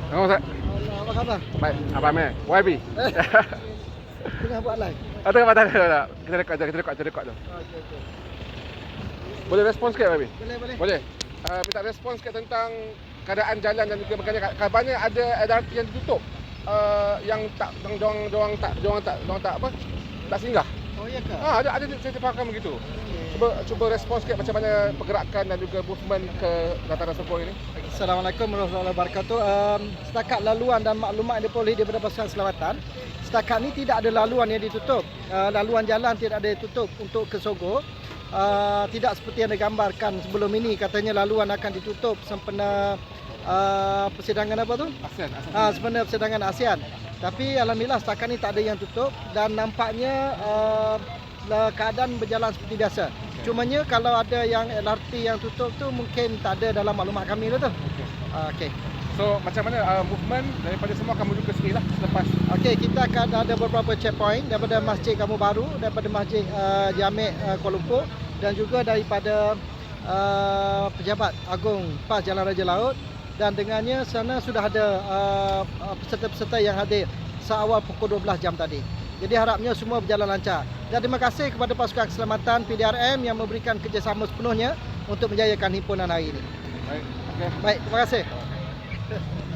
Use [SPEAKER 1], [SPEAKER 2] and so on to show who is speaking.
[SPEAKER 1] Oh, Ustaz.
[SPEAKER 2] Apa khabar?
[SPEAKER 1] Baik, Abang Meh. YB.
[SPEAKER 2] Tengah buat live.
[SPEAKER 1] Tengah patah tak? Kita rekod tu.
[SPEAKER 2] Okey.
[SPEAKER 1] Boleh respon sikit, YB?
[SPEAKER 2] Boleh.
[SPEAKER 1] Boleh. Minta respon sikit tentang keadaan jalan dan juga kabarnya ada LRT yang ditutup. Yang tak tak singgah.
[SPEAKER 2] Oh ya ke?
[SPEAKER 1] Ada saya terfaham begitu. Cuba respon sikit macam mana pergerakan dan juga movement ke Dataran Serpong ini.
[SPEAKER 2] Assalamualaikum warahmatullahi wabarakatuh. Setakat laluan dan maklumat yang diperoleh daripada pasukan keselamatan, setakat ni tidak ada laluan yang ditutup. Laluan jalan tidak ada ditutup untuk ke Sogo. Tidak seperti yang digambarkan sebelum ini, katanya laluan akan ditutup sempena persidangan apa tu?
[SPEAKER 1] ASEAN.
[SPEAKER 2] Sempena persidangan ASEAN. Tapi alhamdulillah setakat ni tak ada yang tutup dan nampaknya keadaan berjalan seperti biasa. Cumanya kalau ada yang LRT yang tutup tu mungkin tak ada dalam maklumat kami lah tu. Okey.
[SPEAKER 1] So macam mana movement daripada semua akan menuju ke sini lah selepas.
[SPEAKER 2] Okey, kita akan ada beberapa checkpoint daripada Masjid Kampung Baru, daripada Masjid Jamek Kuala Lumpur dan juga daripada Pejabat Agung PAS Jalan Raja Laut, dan dengannya sana sudah ada peserta-peserta yang hadir seawal pukul 12 jam tadi. Jadi harapnya semua berjalan lancar. Dan terima kasih kepada pasukan keselamatan PDRM yang memberikan kerjasama sepenuhnya untuk menjayakan himpunan hari ini.
[SPEAKER 1] Baik, okey.
[SPEAKER 2] Baik, terima kasih.